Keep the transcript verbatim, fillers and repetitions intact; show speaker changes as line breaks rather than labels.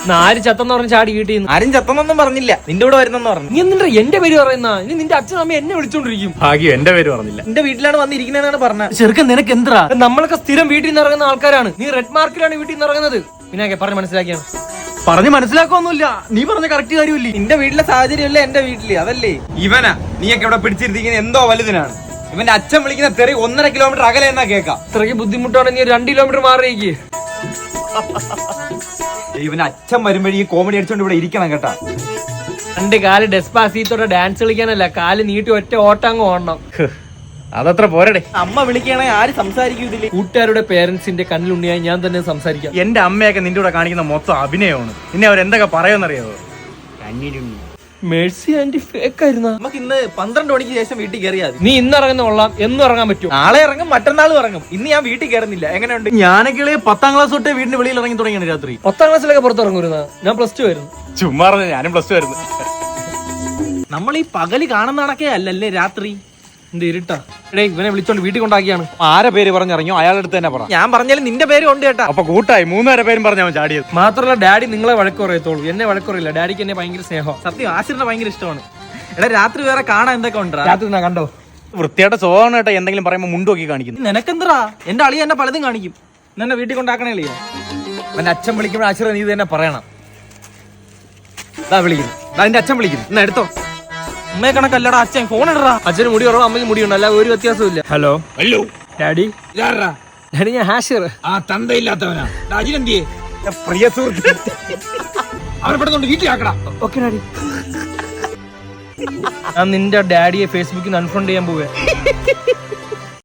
ആര് ചത്തെന്ന് പറഞ്ഞ ചാടി വീട്ടിൽ നിന്ന്
ആരും ചത്തൊന്നും പറഞ്ഞില്ല, നിന്റെ കൂടെ വരുന്നെന്ന് പറഞ്ഞു.
നീ എന്നിട്ട് എന്റെ പേര് പറയുന്ന ഇനി നിന്റെ അച്ഛൻ അമ്മ എന്നെ വിളിച്ചോണ്ടിരിക്കും.
ഭാഗ്യം എന്റെ പേര് പറഞ്ഞില്ല.
നിന്റെ വീട്ടിലാണ് വന്നിരിക്കുന്നതെന്നാണ് പറഞ്ഞത്.
ചെറുക്കൻ നിനക്ക് എന്താ? നമ്മളൊക്കെ സ്ഥിരം വീട്ടിൽ നിന്ന് ഇറങ്ങുന്ന ആൾക്കാരാണ്. നീ റെഡ് മാർക്കിലാണ് വീട്ടിൽ നിന്ന് ഇറങ്ങുന്നത്. പിന്നെ പറഞ്ഞ് മനസ്സിലാക്കിയാണ്.
പറഞ്ഞ് മനസ്സിലാക്കൊന്നുമില്ല, നീ പറഞ്ഞ കറക്റ്റ് കാര്യമില്ലേ.
നിന്റെ വീട്ടിലെ സാഹചര്യമല്ലേ എന്റെ വീട്ടില്, അതല്ലേ. ഇവനാ നീയൊക്കെ ഇവിടെ പിടിച്ചിരുത്തിക്കുന്ന എന്തോ വലുതിനാണ്. ഇവന്റെ അച്ഛൻ വിളിക്കുന്ന തെറി ഒന്നര കിലോമീറ്റർ അകലെ എന്നാ കേൾക്കാം.
ഇത്രയ്ക്ക് ബുദ്ധിമുട്ടാണ്, നീ രണ്ട് കിലോമീറ്റർ മാറിയേക്ക്.
ഇവന്റെ അച്ഛൻ വരുമ്പോഴേ ഈ കോമഡി അടിച്ചോണ്ട് ഇവിടെ ഇരിക്കണം കേട്ടാ.
രണ്ട് കാല് ഡെസ്പാസീത്തോടെ ഡാൻസ് കളിക്കാനല്ല, കാല് നീട്ടി ഒറ്റ ഓട്ടങ്ങ് ഓടണം.
അതത്ര പോരടെ.
അമ്മ വിളിക്കുകയാണെങ്കിൽ ആര് സംസാരിക്കും ഇതില്?
കൂട്ടുകാരുടെ പേരൻസിന്റെ കണ്ണിലുണ്ണിയായി ഞാൻ തന്നെ സംസാരിക്കാം.
എന്റെ അമ്മയൊക്കെ നിന്റെ കൂടെ കാണിക്കുന്ന മൊത്തം അഭിനയമാണ്. നിന്നെ അവരെന്തൊക്കെ പറയുമെന്നറിയാവോ?
മേഴ്സി ആന്റി ഫേക്ക് ആയിരുന്ന.
നമുക്ക് ഇന്ന് പന്ത്രണ്ട് മണിക്ക് ശേഷം വീട്ടിൽ കയറിയാൽ
നീ ഇന്ന് ഇറങ്ങുന്ന കൊള്ളാം, എന്നും ഇറങ്ങാൻ പറ്റും.
നാളെ ഇറങ്ങും, മറ്റന്നാളും ഇറങ്ങും. ഇന്ന് ഞാൻ വീട്ടിൽ കയറുന്നില്ല. എങ്ങനെയുണ്ട്?
ഞാനൊക്കെ പത്താം ക്ലാസ് തൊട്ടേ വീടിന്റെ വെളിയിൽ ഇറങ്ങി തുടങ്ങിയാണ് രാത്രി.
പത്താം ക്ലാസ്സിലൊക്കെ പുറത്തിറങ്ങുന്ന ഞാൻ പ്ലസ് ടു ആയിരുന്നു.
ചുമ്മാ ഞാനും പ്ലസ് ടു ആയിരുന്നു.
നമ്മൾ ഈ പകല് കാണുന്നതാണൊക്കെ അല്ലല്ലേ രാത്രി.
എന്ത് ഇരുട്ടാ? എടേ ഇവനെ വിളിച്ചോണ്ട് വീട്ടിൽ കൊണ്ടാക്കിയാണ്.
ആരെ പേര് പറഞ്ഞിറങ്ങിയോ അയാളുടെ അടുത്ത് തന്നെ പറ.
ഞാൻ പറഞ്ഞാലും നിന്റെ പേര് ഉണ്ട് കേട്ടാ.
അപ്പൊ കൂട്ടായി മൂന്നുപേരെ പേരും പറഞ്ഞാൽ ചാടിയത്.
മാത്രമല്ല ഡാഡി നിങ്ങളെ വഴക്ക് പറയത്തോളൂ, എന്നെ വഴക്കുറയില്ല. ഡാഡിക്ക് എന്നെ ഭയങ്കര സ്നേഹം.
സത്യം ആശിറിനെ ഭയങ്കര ഇഷ്ടമാണ്. എടാ രാത്രി വേറെ കാണാൻ എന്തൊക്കെ ഉണ്ടാ?
രാത്രി ഞാൻ കണ്ടോ
വൃത്തിയായിട്ട് സ്വഭാവം കേട്ടോ. എന്തെങ്കിലും പറയുമ്പോൾ മുണ്ടോക്കി കാണിക്കുന്നു.
നിനക്കെന്തറാ? എന്റെ അളിയ എന്നെ പലതും കാണിക്കും. എന്നെ വീട്ടിൽ കൊണ്ടാക്കണേ അളിയ. എന്റെ അച്ഛൻ വിളിക്കുമ്പോൾ ആശിറ നീ തന്നെ പറയണം. ഇതാ വിളിക്കുന്നു, എന്റെ അച്ഛൻ വിളിക്കുന്നു. എന്നാ എടുത്തോ. അമ്മയെ കണക്കല്ലടാ അച്ഛൻ. ഫോൺ ഇടറാ.
അച്ഛന് മുടി കുറവ്, അമ്മയ്ക്ക് മുടിയുണ്ട്, അല്ല ഒരു വ്യത്യാസമില്ല. Hello
hello
daddy. ഡാഡി ഞാൻ ഹാഷിർ.
ആ തന്തയില്ലാത്തവനാ അജിനെന്തിയെ പ്രിയ സുഹൃത്ത്. അവരെ പെടുന്നുണ്ട് വീട്ടിലാക്കടാ.
Okay daddy. ഞാൻ നിന്റെ ഡാഡിയെ ഫേസ്ബുക്കിൽ നിന്ന് അൺഫ്രണ്ട് ചെയ്യാൻ പോവേ.